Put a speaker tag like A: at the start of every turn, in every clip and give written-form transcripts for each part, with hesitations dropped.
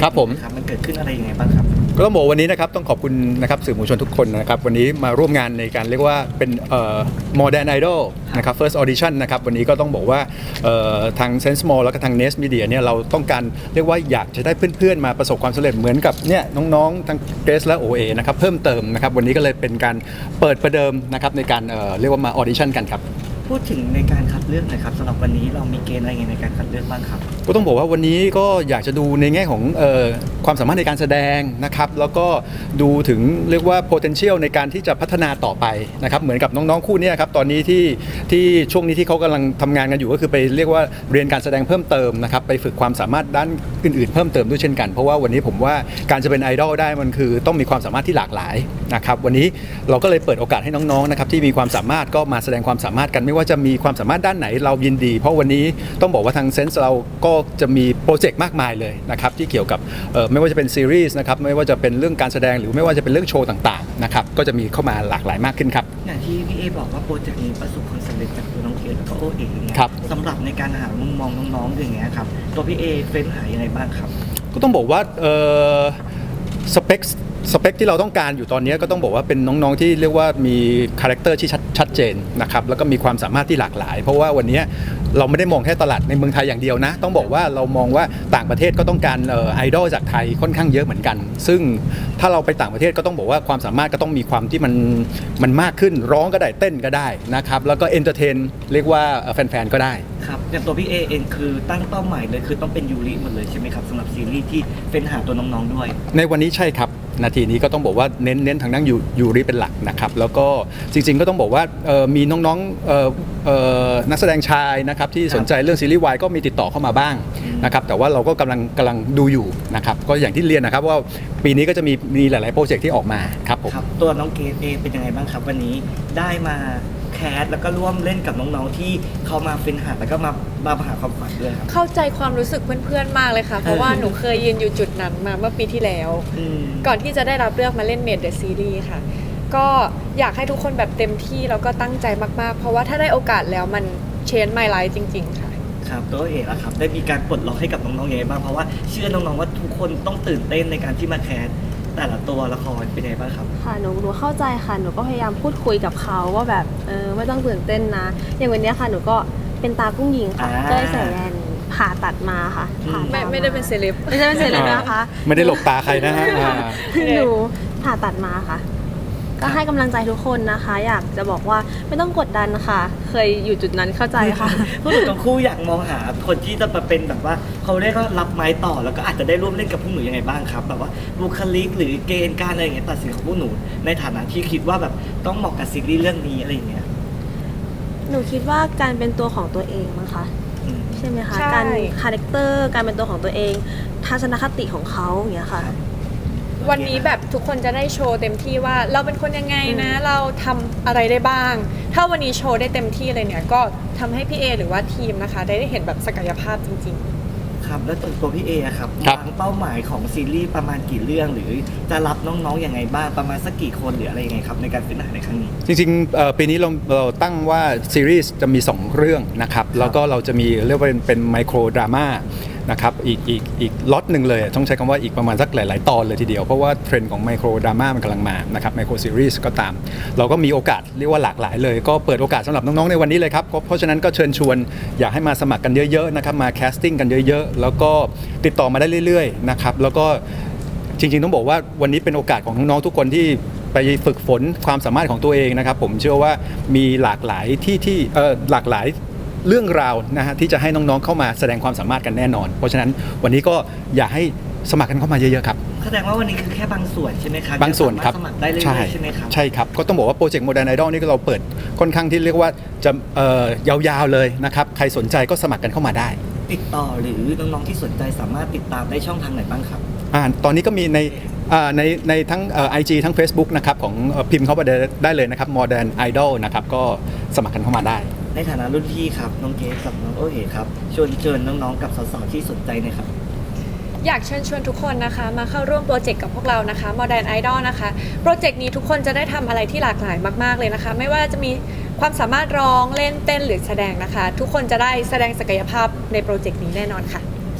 A: ครับผม
B: ครับมันเกิดขึ้นอะไรยังไงบ้างครับ
A: ก็ต้องบอกวันนี้นะครับต้องขอบคุณนะครับสื่อมวลชนทุกคนนะครับวันนี้มาร่วมงานในการเรียกว่าเป็นModern Idol นะครับ First Audition นะครับวันนี้ก็ต้องบอกว่าทาง Sense Mall แล้วก็ทาง Nest Media เนี่ยเราต้องการเรียกว่าอยากจะได้เพื่อนๆมาประสบความสำเร็จเหมือนกับเนี่ยน้องๆทั้งเกรซและ OA นะครับเพิ่มเติมนะครับวันนี้ก็เลยเป็นการเปิดประเดิมนะครับในการเรียกว่ามา Audition กันครับ
B: พูดถึงในการคัดเลือกหนะครับสำหรับวันนี้เรามีเกณฑ์อะไรไงในการคัดเลือกบ้างครับ
A: ก็ต้องบอกว่าวันนี้ก็อยากจะดูในแง่ของความสามารถในการแสดงนะครับแล้วก็ดูถึงเรียกว่า potential ในการที่จะพัฒนาต่อไปนะครับเหมือนกับน้องๆคู่นี้ครับตอนนี้ที่ช่วงนี้ที่เขากำลังทำงานกันอยู่ก็คือไปเรียกว่าเรียนการแสดงเพิ่มเติมนะครับไปฝึกความสามารถด้านอื่นๆเพิ่มเติมด้วยเช่นกันเพราะว่าวันนี้ผมว่าการจะเป็นไอดอลได้มันคือต้องมีความสามารถที่หลากหลายนะครับวันนี้เราก็เลยเปิดโอกาสให้น้องๆนะครับที่มีความสามารถก็มาแสดงความสามารถกันไม่ว่าจะมีความสามารถด้านไหนเรายินดีเพราะวันนี้ต้องบอกว่าทางเซนส์เราก็จะมีโปรเจกต์มากมายเลยนะครับที่เกี่ยวกับไม่ว่าจะเป็นซีรีส์นะครับไม่ว่าจะเป็นเรื่องการแสดงหรือไม่ว่าจะเป็นเรื่องโชว์ต่างๆนะครับก็จะมีเข้ามาหลากหลายมากขึ้นครับ
B: อย่างที่พี่เอบอกว่าโปรเจกต์นี้ประสบความสำเร็จจากตัวน้องเกดแล้วก็โอเอ๋อย่างเงี้ยสำหรับในการหามุมมองน้องๆอย่างเงี้ยครับตัวพี่เอเฟ้นหายังไงบ้างครับ
A: ก็ต้องบอกว่าสเปคที่เราต้องการอยู่ตอนนี้ก็ต้องบอกว่าเป็นน้องๆที่เรียกว่ามีคาแรคเตอร์ที่ชัดเจนนะครับแล้วก็มีความสามารถที่หลากหลายเพราะว่าวันนี้เราไม่ได้มองแค่ตลาดในเมืองไทยอย่างเดียวนะต้องบอกว่าเรามองว่าต่างประเทศก็ต้องการไอดอลจากไทยค่อนข้างเยอะเหมือนกันซึ่งถ้าเราไปต่างประเทศก็ต้องบอกว่าความสามารถก็ต้องมีความที่มันมากขึ้นร้องก็ได้เต้นก็ได้นะครับแล้วก็เอนเตอร์เทนเรียกว่าแฟนๆก็ได้
B: ครับอย่างตัวพี่เอเองคือตั้งเป้าหมายเลยคือต้องเป็นยูริหมดเลยใช่ไหมครับสำหรับซีรีส์ที่เป็นหาตัวน้องๆด้วย
A: ในวันนี้ใช่ครับนาทีนี้ก็ต้องบอกว่าเน้นทางด้านยูริเป็นหลักนะครับแล้วก็จริงๆก็ต้องบอกว่ามีน้องๆนักแสดงชายนะครับที่สนใจเรื่องซีรีส์วายก็มีติดต่อเข้ามาบ้างนะครับแต่ว่าเราก็กำลังดูอยู่นะครับก็อย่างที่เรียนนะครับว่าปีนี้ก็จะมีหลายๆโปรเจกต์ที่ออกมาครับผม
B: ตัวน้องเกดเองเป็นยังไงบ้างครับวันนี้ได้มาแคสแล้วก็ร่วมเล่นกับน้องๆที่เขามาเป็นหาแล้วก็มาหาความฝันด้วยครับ
C: เข้าใจความรู้สึกเพื่อนๆมากเลยค่ะเพราะว่าหนูเคยยืนอยู่จุดนั้นมาเมื่อปีที่แล้วก่อนที่จะได้รับเลือกมาเล่นเมดเดอะซีรีส์ค่ะก็อยากให้ทุกคนแบบเต็มที่แล้วก็ตั้งใจมากๆเพราะว่าถ้าได้โอกาสแล้วมันเชนไมล์ไลฟ์จริงๆค่ะ
B: ครับตัวเอกอะครับได้มีการปลดล็อกให้กับน้องๆยังไงบ้างเพราะว่าเชื่อน้องๆว่าทุกคนต้องตื่นเต้นในการที่มาแคสแต่ละตัวละครเป็นยังไงบ้างครับ
D: ค่ะหนูเข้าใจค่ะหนูก็พยายามพูดคุยกับเขาว่าแบบไม่ต้องตื่นเต้นนะอย่างวันนี้ค่ะหนูก็เป็นตากุ้งยิงค่ะก็เลยใส่แว่นผ่าตัดมาค่ะ
C: ไม่ได้เป็นเซเลบ
D: ไม่ได้เป็นเซเลบนะคะ
A: ไม่ได้หลบตาใครนะฮะ
D: หนูผ่าตัดมาค่ะก็ให้กำลังใจทุกคนนะคะอยากจะบอกว่าไม่ต้องกดดันค่ะเคยอยู่จุดนั้นเข้าใจค่ะ
B: ผู้หนูทั้งคู่อยากมองหาคนที่จะมาเป็นแบบว่าเขาเรียกว่ารับไม้ต่อแล้วก็อาจจะได้ร่วมเล่นกับพวกหนูยังไงบ้างครับแบบว่าบุคลิกหรือเกณฑ์การอะไรอย่างเงี้ยตัดสินของพวกหนูในฐานะที่คิดว่าแบบต้องเหมาะกับซีรีส์เรื่องนี้อะไรอย่างเงี้ย
D: หนูคิดว่าการเป็นตัวของตัวเองมั้งคะใช่ไหมคะการคาแรคเตอร์การเป็นตัวของตัวเองทัศนคติของเขาอย่างเงี้ยค่ะ
C: วันนี้แบบทุกคนจะได้โชว์เต็มที่ว่าเราเป็นคนยังไงนะเราทำอะไรได้บ้างถ้าวันนี้โชว์ได้เต็มที่เลยเนี่ยก็ทำให้พี่เอหรือว่าทีมนะคะได้เห็นแบบศักยภาพจริง
B: ๆครับแล้วตัวพี่เอครับวางเป้าหมายของซีรีส์ประมาณกี่เรื่องหรือจะรับน้องๆอย่างไงบ้างประมาณสักกี่คนหรืออะไรยังไงครับในการเป็นหาในครั้งนี้
A: จริงๆปีนี้เราตั้งว่าซีรีส์จะมี2เรื่องนะครับแล้วก็เราจะมีเรียกว่าเป็นไมโครดราม่านะครับอีกล็อตหนึ่งเลยต้องใช้คำว่าอีกประมาณสักหลายๆตอนเลยทีเดียวเพราะว่าเทรนด์ของไมโครดราม่ามันกำลังมานะครับไมโครซีรีส์ก็ตามเราก็มีโอกาสเรียกว่าหลากหลายเลยก็เปิดโอกาสสำหรับน้องๆในวันนี้เลยครับเพราะฉะนั้นก็เชิญชวนอยากให้มาสมัครกันเยอะๆนะครับมาแคสติ้งกันเยอะๆแล้วก็ติดต่อมาได้เรื่อยๆนะครับแล้วก็จริงๆต้องบอกว่าวันนี้เป็นโอกาสของน้องๆทุกคนที่ไปฝึกฝนความสามารถของตัวเองนะครับผมเชื่อว่ามีหลากหลายที่หลากหลายเรื่องราวนะฮะที่จะให้น้องๆเข้ามาแสดงความสามารถกันแน่นอนเพราะฉะนั้นวันนี้ก็อยากให้สมัครกันเข้ามาเยอะๆครับ
B: แสดงว่าวันนี้คือแค่บางส่วนใช่ไหมครับ
A: บางส่วนครับ
B: สมัครได้เลยใช่ไหมครับ
A: ใช่ครับก็ต้องบอกว่าโปรเจกต์ Modern Idol นี่ก็เราเปิดค่อนข้างที่เรียกว่าจะยาวๆเลยนะครับใครสนใจก็สมัครกันเข้ามาได้
B: ติดต่อหรือน้องๆที่สนใจสามารถติดตามได้ช่องทางไหนบ้างครับ
A: ตอนนี้ก็มีในทั้งIG ทั้ง Facebook นะครับของพิมพ์เข้าไปได้เลยนะครับ Modern Idol นะครับก็สมัครกันเข้ามาได้
B: ในฐานะรุ่นพี่ครับน้องเกสกับน้องโอเอ๋ครับเชิญน้องๆกับสาวๆที่สนใจนะครับ
C: อยากเชิญชวนทุกคนนะคะมาเข้าร่วมโปรเจกต์กับพวกเรานะคะ Modern Idol นะคะโปรเจกต์นี้ทุกคนจะได้ทำอะไรที่หลากหลายมากๆเลยนะคะไม่ว่าจะมีความสามารถร้องเล่นเต้นหรือแสดงนะคะทุกคนจะได้แสดงศักยภาพในโปรเจกต์นี้แน่นอนค่ะ
D: ใช่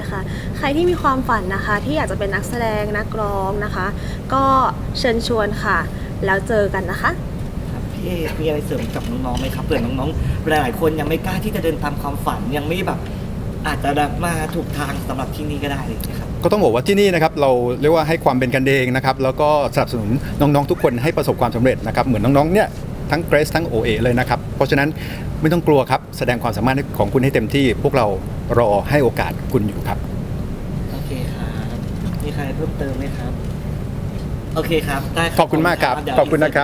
D: ค่ะ ใครที่มีความฝันนะคะ ที่อยากจะเป็นนักแสดงนักร้องนะคะ ก็เชิญชวนค่ะ แล้วเจอกันนะคะ
B: ครับพี่เอมีอะไรเสริมกับน้องๆไหมครับเผื่อน้องๆหลายๆคนยังไม่กล้าที่จะเดินตามความฝันยังไม่แบบอาจจะแบบมาถูกทางสำหรับที่นี่ก็ได้เลยนะครับ
A: ก็ต้องบอกว่าที่นี่นะครับเราเรียกว่าให้ความเป็นกันเองนะครับแล้วก็สนับสนุนน้องๆทุกคนให้ประสบความสำเร็จนะครับเหมือนน้องๆเนี่ยทั้งเกรซทั้งโอเอเลยนะครับเพราะฉะนั้นไม่ต้องกลัวครับแสดงความสามารถของคุณให้เต็มที่ พวกเรารอให้โอกาสคุณอยู่ครับ
B: โอเคครับมีใครเพิ่มเติมไหมครับโอเคครับได้รับ
A: ขอบคุณมากครับ
B: เดี๋ยว
A: ขอบคุณนะครับ